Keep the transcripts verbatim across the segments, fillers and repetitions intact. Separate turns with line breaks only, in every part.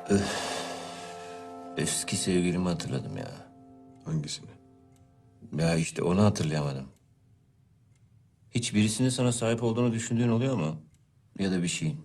Eski sevgilimi hatırladım ya.
Hangisini?
Ya işte onu hatırlayamadım. Hiç birisinin sana sahip olduğunu düşündüğün oluyor mu? Ya da bir şeyin.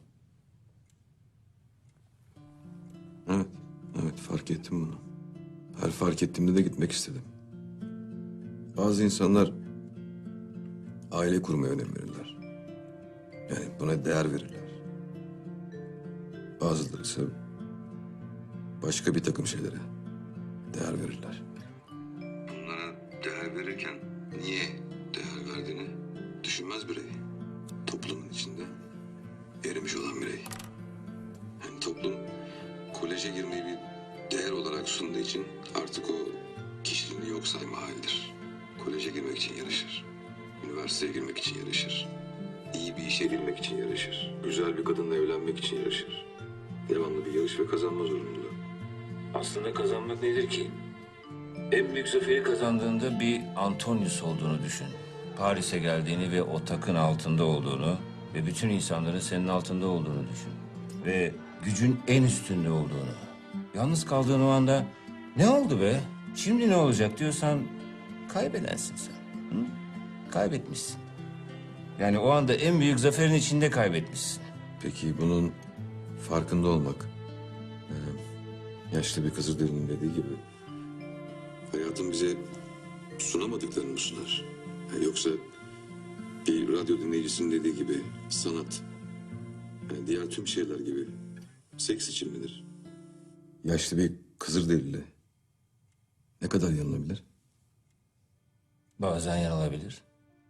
Evet, evet fark ettim bunu. Her fark ettiğimde de gitmek istedim. Bazı insanlar aile kurmaya önem verirler. Yani buna değer verirler. Bazıları ise başka bir takım şeylere değer verirler. Bunlara değer verirken niye değer verdiğini düşünmez birey. Toplumun içinde erimiş olan birey. Yani toplum koleje girmeyi bir değer olarak sunduğu için artık o kişiliğini yok sayma halidir. Koleje girmek için yarışır. Üniversiteye girmek için yarışır. İyi bir işe girmek için yarışır. Güzel bir kadınla evlenmek için yarışır. Devamlı bir yarış ve kazanma zorunluluğu.
Aslında kazanmak nedir ki? En büyük zaferi kazandığında bir Antonius olduğunu düşün. Paris'e geldiğini ve o takın altında olduğunu ve bütün insanların senin altında olduğunu düşün. Ve gücün en üstünde olduğunu. Yalnız kaldığın o anda ne oldu be? Şimdi ne olacak diyorsan kaybedensin sen. Hı? Kaybetmişsin. Yani o anda en büyük zaferin içinde kaybetmişsin.
Peki bunun farkında olmak, e, yaşlı bir Kızılderili'nin dediği gibi hayatın bize sunamadıklarını mı sunar? Yani yoksa bir radyo dinleyicisinin dediği gibi sanat, yani diğer tüm şeyler gibi seks için midir? Yaşlı bir Kızılderili ne kadar yanılabilir?
Bazen yanılabilir,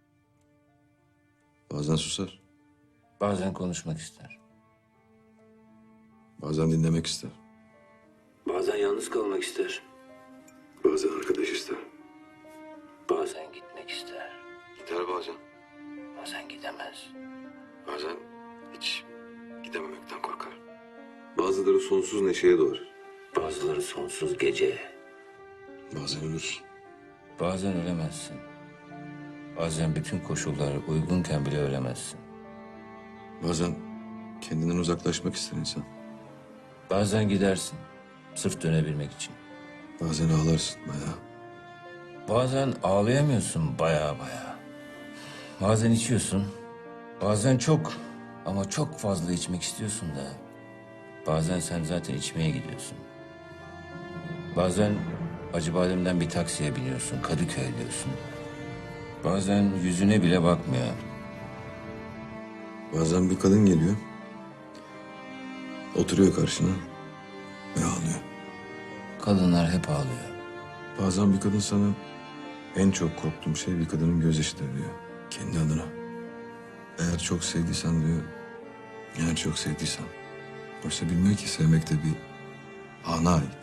Bazen susar,
bazen konuşmak ister.
bazen dinlemek ister,
Bazen yalnız kalmak ister,
bazen arkadaş ister.
bazen gitmek ister,
Gider bazen,
bazen gidemez.
bazen hiç gidememekten korkar. Bazıları sonsuz neşeye doğar,
Bazıları sonsuz gece.
bazen ölür.
Bazen ölemezsin. Bazen bütün koşullar uygunken bile ölemezsin.
Bazen kendinden uzaklaşmak ister insan.
Bazen gidersin, sırf dönebilmek için.
Bazen ağlarsın bayağı.
Bazen ağlayamıyorsun baya baya. Bazen içiyorsun, bazen çok ama çok fazla içmek istiyorsun da. Bazen sen zaten içmeye gidiyorsun. Bazen Acıbadem'den bir taksiye biniyorsun, Kadıköy diyorsun. Bazen yüzüne bile bakmıyor.
Bazen bir kadın geliyor. Oturuyor karşına ve ağlıyor.
Kadınlar hep ağlıyor.
Bazen bir kadın sana en çok korktuğum şey bir kadının gözyaşıdır diyor. Kendi adına. Eğer çok sevdiysen diyor. Eğer çok sevdiysen. Oysa bilmiyor ki sevmek de bir ana ait.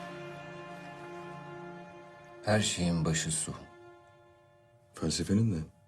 Her şeyin başı su.
Felsefenin de